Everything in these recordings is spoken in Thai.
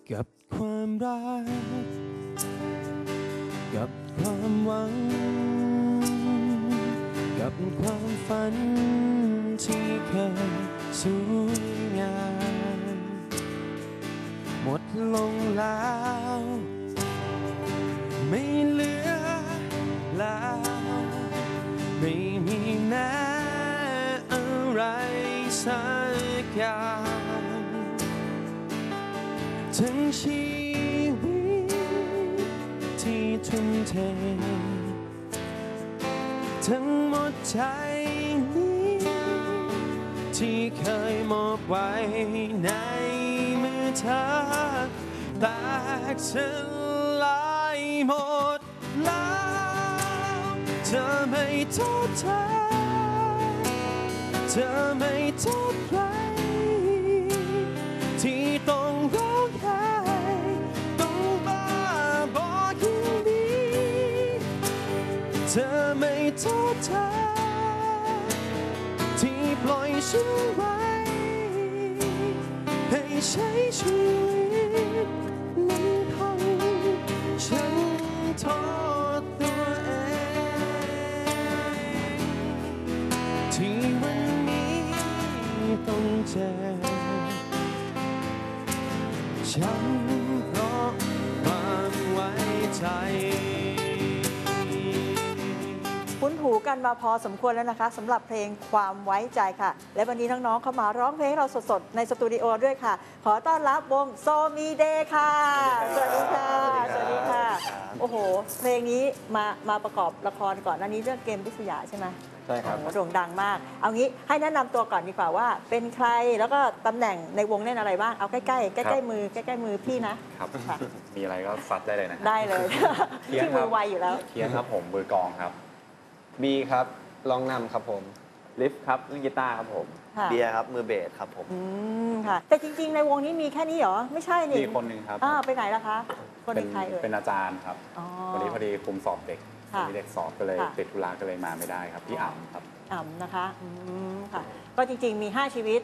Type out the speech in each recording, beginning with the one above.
กับความรักกับความหวังกับความฝันที่เคยสวยงามหมดลงแล้วไม่เหลือแล้วไม่มีแม้อะไรสักอย่างทั้งชีวิตที่ทุ่มเททั้งหมดใจนี้ที่เคยมอบไว้ในมือเธอแตกสลายหมดแล้วเธอไม่โทษเธอเธอไม่โทษใครที่ต้องร้องไห้ต้องบ้าบอยิ่งดีเธอไม่โทษเธอที่ปล่อยฉันไว้ให้ใช้ชีวิตนั้นพังฉันโทษตัวเองที่วันนี้ต้องเจ็บฉันเพราะความไว้ใจคุ้นหูกันมาพอสมควรแล้วนะคะสำหรับเพลงความไว้ใจค่ะและวันนี้น้องๆเข้ามาร้องเพลงให้เราสดๆในสตูดิโอด้วยค่ะขอต้อนรับวงโซมีเดย์ค่ะสวัสดีค่ะสวัสดีค่ะโอ้โหเพลงนี้มาประกอบละครก่อนอันนี้เรื่องเกมพิษยาใช่ไหมใช่ครับโด่งดังมากเอางี้ให้แนะนำตัวก่อนดีกว่าว่าเป็นใครแล้วก็ตำแหน่งในวงเล่นอะไรบ้างเอาใกล้ๆมือพี่นะครับมีอะไรก็ซัดได้เลยนะได้เลยที่มือไวอยู่แล้วเคียนครับผมมือกลองครับบีครับร้องนำครับผมลิฟครับเล่นกีตาร์ครับผมเบียร์ครับมือเบสครับผมค่ะแต่จริงๆในวงนี้มีแค่นี้เหรอไม่ใช่นี่มีคนหนึ่งครับไปไหนล่ะคะคนเป็นใครเป็นอาจารย์ครับวันนี้พอดีคุมสอบเด็กมีเด็กสอบก็เลยติดธุระก็เลยมาไม่ได้ครับพี่อ่ำครับอ่ำนะคะค่ะก็จริงๆมี5ชีวิต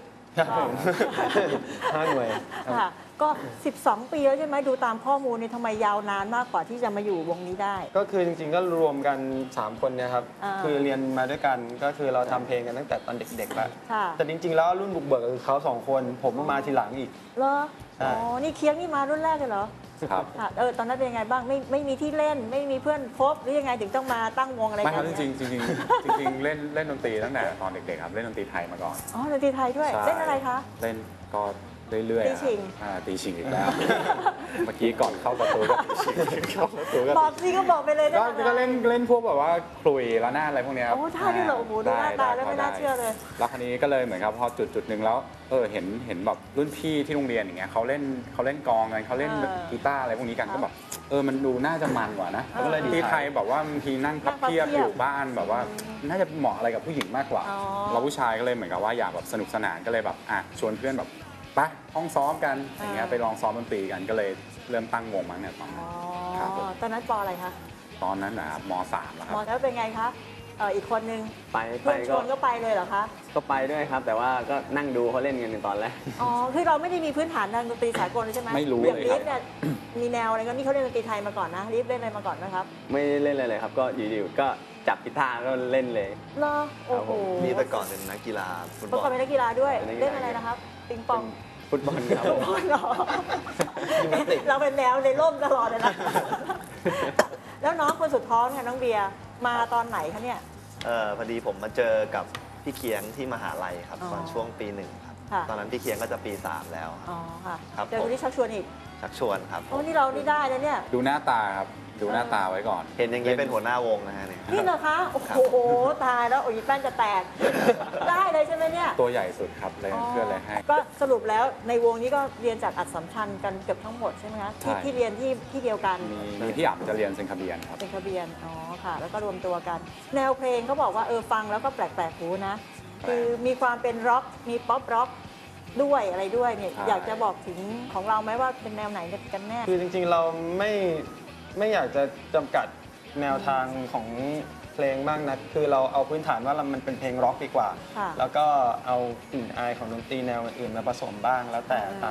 5 หน่วยค่ะก็12 ปีแล้วใช่ไหมดูตามข้อมูลนี่ทำไมยาวนานมากกว่าที่จะมาอยู่วงนี้ได้ก็คือจริงๆก็รวมกัน3คนเนี่ยครับคือเรียนมาด้วยกันก็คือเราทำเพลงกันตั้งแต่ตอนเด็กๆแล้วแต่จริงๆแล้วรุ่นบุกเบิกคือเขา2คนผมมาทีหลังอีกเหรออ๋อนี่เคียงนี่มารุ่นแรกเลยเหรอครับตอนนั้นเป็นยังไงบ้างไม่มีที่เล่นไม่มีเพื่อนคบหรือยังไงถึงต้องมาตั้งวงอะไรกันไม่ครับจริงๆเล่นดนตรีตั้งแต่ตอนเด็กๆครับเล่นดนตรีไทยมาก่อนอ๋อดนตรีไทยด้วยเล่นอะไรคะเล่นก็เรื่อยๆตีชิงอีกแล้วเมื่อกี้ก่อนเข้าประตูก็ตีชิงเข้าประตูก็บอกสิก็บอกไปเลยก็เล่นพวกแบบว่าคลุยละหน้าอะไรพวกนี้โอ้ท่าที่เราโอ้โหดูหน้าตาแล้วไม่น่าเชื่อเลยแล้วคราวนี้ก็เลยเหมือนครับพอจุดหนึ่งแล้วเห็นแบบรุ่นพี่ที่โรงเรียนอย่างเงี้ยเขาเล่นกลองกันเขาเล่นกีตาร์อะไรพวกนี้กันก็แบบมันดูน่าจะมันกว่านะที่ไทยแบบว่าบางทีนั่งพับเพียบอยู่บ้านแบบว่าน่าจะเหมาะอะไรกับผู้หญิงมากกว่าเราผู้ชายก็เลยเหมือนกับว่าอยากแบบสนุกสนานก็เลยแบบชวนเพื่อนแบบไปห้องซ้อมกันอย่างเงี้ยไปลองซ้อมดนตรีกันก็เลยเริ่มตั้งวงมั้งเนี่ยตอนนั้นครับตอนนั้นป.อะไรคะตอนนั้นนะครับม.3แล้วครับแล้วเป็นไงคะอีกคนนึงเพื่อนชวนก็ไปเลยเหรอคะก็ไปด้วยครับแต่ว่าก็นั่งดูเขาเล่นกันในตอนแรกคือเราไม่ได้มีพื้นฐานทางดนตรีสากลใช่ไหมไม่รู้เลยครับเนี่ยมีแนวอะไรก็นี่เขาเล่นดนตรีไทยมาก่อนนะรีบเล่นอะไรมาก่อนนะครับไม่เล่นเลยครับก็อยู่ๆก็จับกีตาร์ก็เล่นเลยเหรอโอ้โหนี่แต่ก่อนเป็นนักกีฬาฟุตบอลเป็นนักกีฬาด้วยเล่นอะไรนะครับปิงปองฟุตบอลครับฟุตบอลเหรอเราเป็นแนวในร่มตลอดเลยนะแล้วน้องคนสุดท้องเนี่ยน้องเบียร์มาตอนไหนคะเนี่ยพอดีผมมาเจอกับพี่เคียงที่มหาลัยครับตอนช่วงปี 1ครับตอนนั้นพี่เคียงก็จะปี 3แล้วอ๋อค่ะเจอคนที่ชักชวนอีกชักชวนครับโอ้นี่เรานี่ได้แล้วเนี่ยดูหน้าตาครับดูหน้าตาไว้ก่อนเห็นอย่างนี้เป็นหัวหน้าวงนะฮะเนี่ยนี่เหรอคะโอ้โหตายแล้วโอ้ยแป้นจะแตกได้เลยใช่ไหมเนี่ยตัวใหญ่สุดครับเลยเพื่อนเลยให้ก็สรุปแล้วในวงนี้ก็เรียนจากอัดสัมชัญกันเกือบทั้งหมดใช่ไหมคะที่เรียนที่เดียวกันมีพี่อั๋มจะเรียนเซนคาเบียนครับเซนคาเบียนอ๋อค่ะแล้วก็รวมตัวกันแนวเพลงเขาบอกว่าฟังแล้วก็แปลกๆหูนะคือมีความเป็นร็อกมีป๊อปร็อกด้วยอะไรด้วยเนี่ยอยากจะบอกถึงของเราไหมว่าเป็นแนวไหนกันแน่คือจริงๆเราไม่อยากจะจำกัดแนวทางของเพลงมากนะคือเราเอาพื้นฐานว่ามันเป็นเพลงร็อกดีกว่าแล้วก็เอากลิ่นอายของดนตรีแนวอื่นมาผสมบ้างแล้วแต่ตาม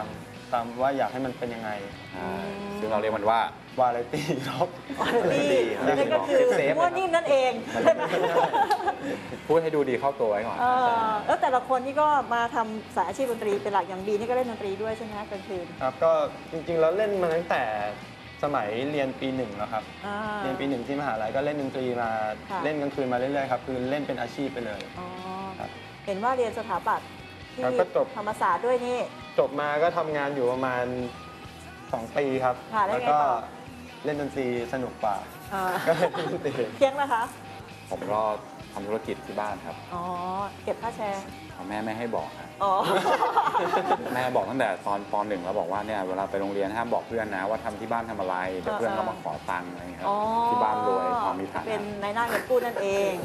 ตามว่าอยากให้มันเป็นยังไงซึ่งเราเรียกมันว่าวาไรตี้ร็อกนี่นั่นก็คือมั่วนิ่มนั่นเองใช่ไหมพูดให้ดูดีเข้าตัวไว้ก่อนแล้วแต่ละคนนี่ก็มาทำสายอาชีพดนตรีเป็นหลักอย่างบีนี่ก็เล่นดนตรีด้วยใช่ไหมคะกลางคืนครับก็จริงๆแล้วเล่นมาตั้งแต่สมัยเรียนปี 1แล้วครับเรียนปี 1ที่มหาลัยก็เล่นดนตรีมาเล่นกลางคืนมาเรื่อยๆครับคือเล่นเป็นอาชีพไปเลยเห็นว่าเรียนสถาปัตย์ที่ธรรมศาสตร์ด้วยนี่จบมาก็ทำงานอยู่ประมาณ2 ปีครับแล้วก็เล่นดนตรีสนุกกว่าก็เล่นดนตรีเพียงนะคะผมก็ทำธุรกิจที่บ้านครับเก็บค่าแชร์แม่ไม่ให้บอกครับแม่บอกตั้งแต่ตอนป .1 แล้วบอกว่าเนี่ยเวลาไปโรงเรียนห้ามบอกเพื่อนนะว่าทำที่บ้านทำอะไรเดี๋ยวเพื่อนก็มาขอตังค์อะไรครับที่บ้านรวยพอมีฐานะเป็นนายหน้าเงินกู้นั่นเอง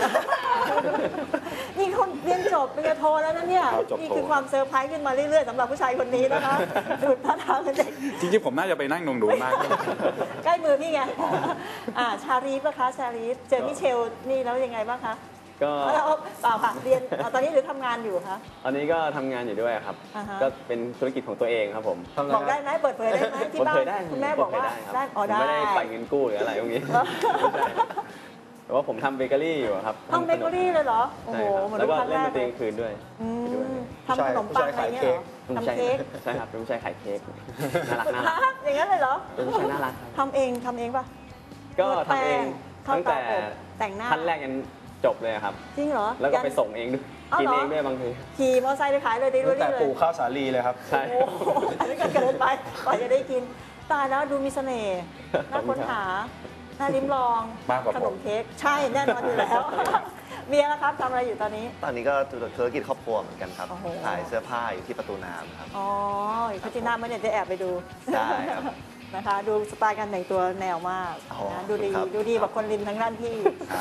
นี่คนเรียนจบปริญญาโทแล้วนะเนี่ยนี่คือความเซอร์ไพรส์ขึ้นมาเรื่อยๆสำหรับผู้ชายคนนี้นะคะดูท่าทางเป็นเด็กจริงๆผมน่าจะไปนั่งดูมากใกล้มือพี่ไงชาลีฟนะคะชาลีฟเจอมิเชลนี่แล้วยังไงบ้างคะก็เปล่าค่ะเรียนตอนนี้หรือทำงานอยู่คะตอนนี้ก็ทำงานอยู่ด้วยครับก็เป็นธุรกิจของตัวเองครับผมบอกได้ไหมเปิดเผยได้ไหมที่บ้านคุณแม่บอกว่าได้ไม่ได้ไปเงินกู้หรืออะไรพวกนี้แต่ว่าผมทำเบเกอรี่อยู่ครับทำเบเกอรี่เลยเหรอโอ้โหแล้วก็เล่นดนตรีคืนด้วยทำขนมปังอะไรเงี้ยทำเค้กใช่ครับเป็นผู้ชายขายเค้กน่ารักอย่างนั้นเลยเหรอเป็นผู้ชายน่ารักทำเองป่ะก็ทำเองตั้งแต่ขั้นแรกยันจบเลยครับจริงเหรอแล้วก็ไปส่งเองด้วยกินเองด้วยบางทีขี่มอเตอร์ไซค์ไปขายเลยตั้งแต่ปลูกข้าวสาลีเลยครับใช่อันนี้ก็เกินไปกว่าจะได้กินตายแล้วดูมีเสน่ห์น่าค้นหาน่าลิ้มลองขนมเค้กใช่แน่นอนอยู่แล้วเมียนะครับทำอะไรอยู่ตอนนี้ก็ธุรกิจครอบครัวเหมือนกันครับขายเสื้อผ้าอยู่ที่ประตูน้ำครับอยู่ประตูน้ำมันเนี่ยจะแอบไปดูใช่ครับนะคะดูสไตล์การแต่งตัวแนวมากนะดูดีแบบคนริมทั้งด้านที่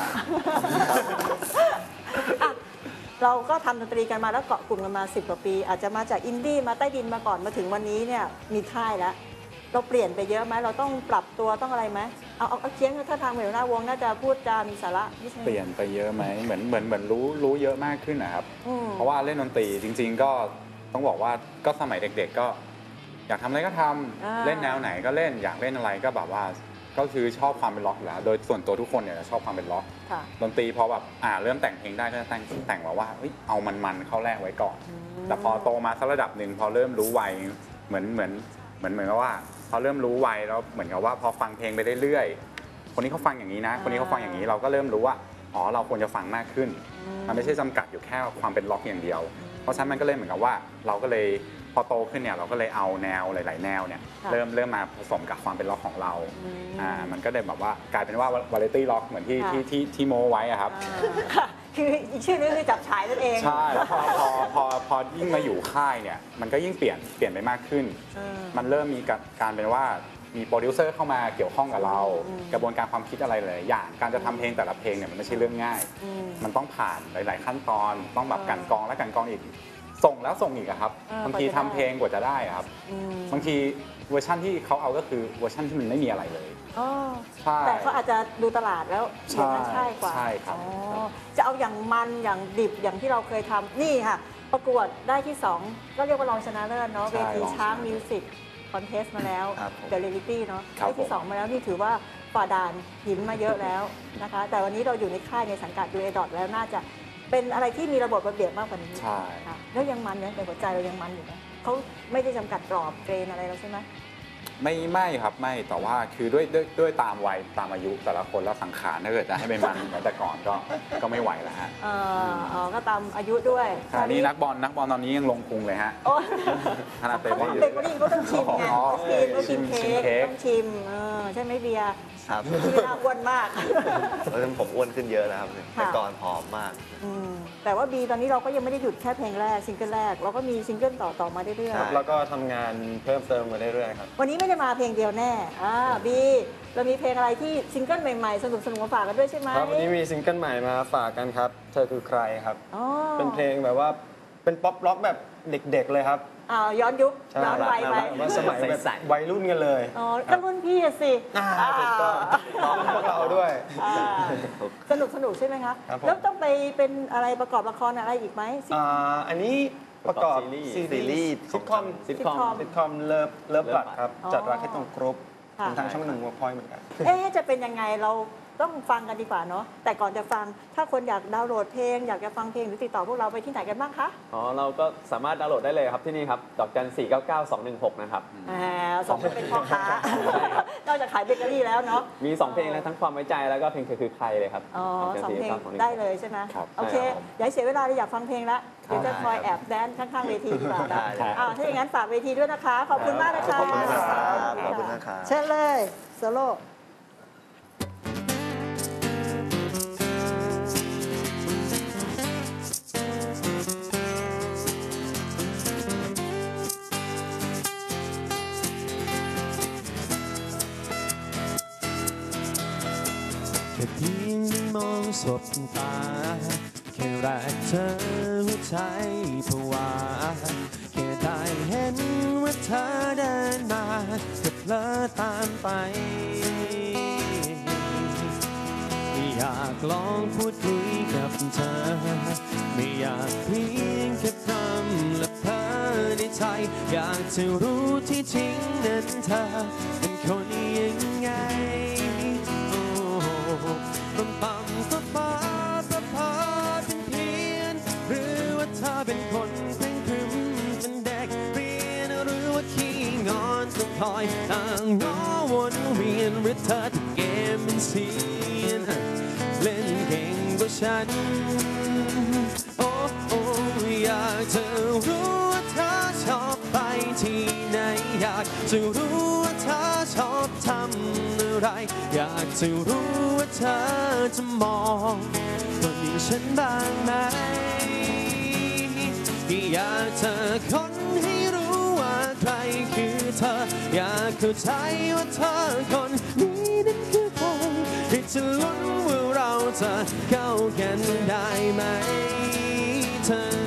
เราก็ทำดนตรีกันมาแล้วเกาะกลุ่มกันมา10 กว่าปีอาจจะมาจากอินดี้มาใต้ดินมาก่อนมาถึงวันนี้เนี่ยมีค่ายแล้วเราเปลี่ยนไปเยอะไหมเราต้องปรับตัวต้องอะไรไหมเอาเคียงถ้าทางเหมือนหน้าวงน่าจะพูดจามีสาระเปลี่ยนไปเยอะไหมเหมือนรู้เยอะมากขึ้นนะครับเพราะว่าเล่นดนตรีจริงๆก็ต้องบอกว่าก็สมัยเด็กๆก็อยากทำอะไรก็ทำเล่นแนวไหนก็เล่นอยากเล่นอะไรก็แบบว่าก็คือชอบความเป็นล็อกอยู่แล้วโดยส่วนตัวทุกคนเนี่ยชอบความเป็นล็อกดนตรีพอแบบเริ่มแต่งเพลงได้ก็จะแต่งว่าเอามันเข้าแรกไว้ก่อนแต่พอโตมาสักระดับหนึ่งพอเริ่มรู้วัยเหมือนกับว่าพอเริ่มรู้วัยแล้วเหมือนกับว่าพอฟังเพลงไปเรื่อยๆคนนี้เขาฟังอย่างนี้นะคนนี้เขาฟังอย่างนี้เราก็เริ่มรู้ว่าเราควรจะฟังมากขึ้นมันไม่ใช่จำกัดอยู่แค่ความเป็นล็อกอย่างเดียวเพราะฉะนั้นมันก็เลยเหมือนกับว่าเราก็เลยพอโตขึ้นเนี่ยเราก็เลยเอาแนวหลายๆแนวเนี่ยเริ่มมาผสมกับความเป็นล็อกของเรามันก็เลยแบบว่ากลายเป็นว่าวาไรตี้ล็อกเหมือนที่โมไว้อะครับคืออีกชื่อนึงคือจับฉายนั่นเองใช่แล้วพอยิ่งมาอยู่ค่ายเนี่ยมันก็ยิ่งเปลี่ยนไปมากขึ้นมันเริ่มมีการเป็นว่ามีโปรดิวเซอร์เข้ามาเกี่ยวข้องกับเรากระบวนการความคิดอะไรหลายอย่างการจะทำเพลงแต่ละเพลงเนี่ยมันไม่ใช่เรื่องง่ายมันต้องผ่านหลายๆขั้นตอนต้องแบบกันกรองและกันกรองอีกส่งแล้วส่งอีกครับบางทีทำเพลงกว่าจะได้ครับบางทีเวอร์ชั่นที่เขาเอาก็คือเวอร์ชั่นที่มันไม่มีอะไรเลยใช่แต่เขาอาจจะดูตลาดแล้วอย่างนั้นใช่กว่าใช่ครับจะเอาอย่างมันอย่างดิบอย่างที่เราเคยทำนี่ค่ะประกวดได้ที่2ก็เรียกว่ารองชนะเลิศเนาะเวทีช้างมิวสิกคอนเทสต์มาแล้วเดอะเรลิตี้เนาะได้ที่2มาแล้วนี่ถือว่าฝ่าด่านหินมาเยอะแล้วนะคะแต่วันนี้เราอยู่ในค่ายในสังกัดดูเอดอทแล้วน่าจะเป็นอะไรที่มีระบบระเบียบมากกว่านี้ใช่แล้วยังมันเนี่ยในหัวใจเรายังมันอยู่ไหมเขาไม่ได้จำกัดกรอบเกรนอะไรเราใช่ไหมไม่ครับไม่แต่ว่าคือด้วยตามวัยตามอายุแต่ละคนแล้วสังขารถ้าเกิดจะให้เป็นมันเหมือนแต่ก่อนก็ไม่ไหวแล้วฮะก็ตามอายุด้วยนี่นักบอลตอนนี้ยังลงพุงเลยฮะขนาดเตะบอลอยู่เด็กคนนี้เขาต้องชิมไงต้องชิมเค้กต้องชิมใช่ไหมเบียร์ครับที่น่าอ้วนมากผมอ้วนขึ้นเยอะแล้วครับแต่ก่อนผอมมากแต่ว่าบีตอนนี้เราก็ยังไม่ได้หยุดแค่เพลงแรกซิงเกิลแรกเราก็มีซิงเกิลต่อมาเรื่อยๆแล้วก็ทำงานเพิ่มเติมมาเรื่อยๆครับวันนี้ไม่ได้มาเพลงเดียวแน่บีเรามีเพลงอะไรที่ซิงเกิลใหม่ๆสนุกมาฝากกันด้วยใช่ไหมครับวันนี้มีซิงเกิลใหม่มาฝากกันครับเธอคือใครครับเป็นเพลงแบบว่าเป็นป๊อปร็อกแบบเด็กๆเลยครับย้อนยุคย้อนวัยไปว่าสมัยแบบวัยรุ่นกันเลยก็รุ่นพี่สิถูกต้องพวกเราด้วยสนุกใช่ไหมคะแล้วต้องไปเป็นอะไรประกอบละครอะไรอีกไหมอันนี้ประกอบซีรีส์ซีรีส์ซิทคอมซิทคอมซิทคอมเลิฟบัตครับอ๋อจัดรักให้ตรงกรุ๊ปค่ะทางช่องหนึ่งวอร์พอยต์เหมือนกันจะเป็นยังไงเราต้องฟังกันดีกว่าเนาะแต่ก่อนจะฟังถ้าคนอยากดาวน์โหลดเพลงอยากจะฟังเพลงหรือติดต่อพวกเราไปที่ไหนกันบ้างคะอ๋อเราก็สามารถดาวน์โหลดได้เลยครับที่นี่ครับดอกจัน499-216นะครับสองคนเป็นพ่อค้านอกจากขายเบเกอรี่แล้วเนาะมี2เพลงแล้วทั้งความไว้ใจแล้วก็เพลงเธอคือใครเลยครับอ๋อดกจันสองเพลง 499-216 ได้เลยใช่ไหมครับโอเคใช่ครับอย่าให้เสียเวลาเลยอยากฟังเพลงละเดี๋ยวจะคอยแอบแดนข้างๆเวทีดีกว่านะได้เลยถ้าอย่างนั้นฝากเวทีด้วยนะคะ ขอบคุณมากนะคะขอบคุณนะครับขอบคุณนะครับเชิญเลยโซโล่แค่เพียงได้มองสบตาแค่แรกเธอหัวใจผวาแค่ได้เห็นว่าเธอเดินมาก็เพลอตามไปอยากลองพูดคุยกับเธอไม่อยากเพียงแค่พรำและเพ้อในใจอยากจะรู้ที่จริงนั้นเธอเป็นคนยังไงปั๊มปั๊มป้าเป็นเพี้ยนหรือว่าเธอเป็นคนเคร่งครึมเป็นเด็กเรียนหรือว่าขี้งอนต้องคอยต่างง้อวนเวียนหรือเธอที่เกมเป็นเสียนเล่นเก่งกว่าฉันโอ้อยากจะรู้ว่าเธอชอบไปที่ไหนอยากจะรู้ว่าเธอชอบทำอะไรอยากจะรู้ว่าเธอจะมองคนอย่างฉันบ้างไหมอยากจะค้นให้รู้ว่าใครคือเธออยากเข้าใจว่าเธอคนนี้นั้นคือใครที่จะลุ้นว่าเราจะเข้ากันได้ไหมเธอ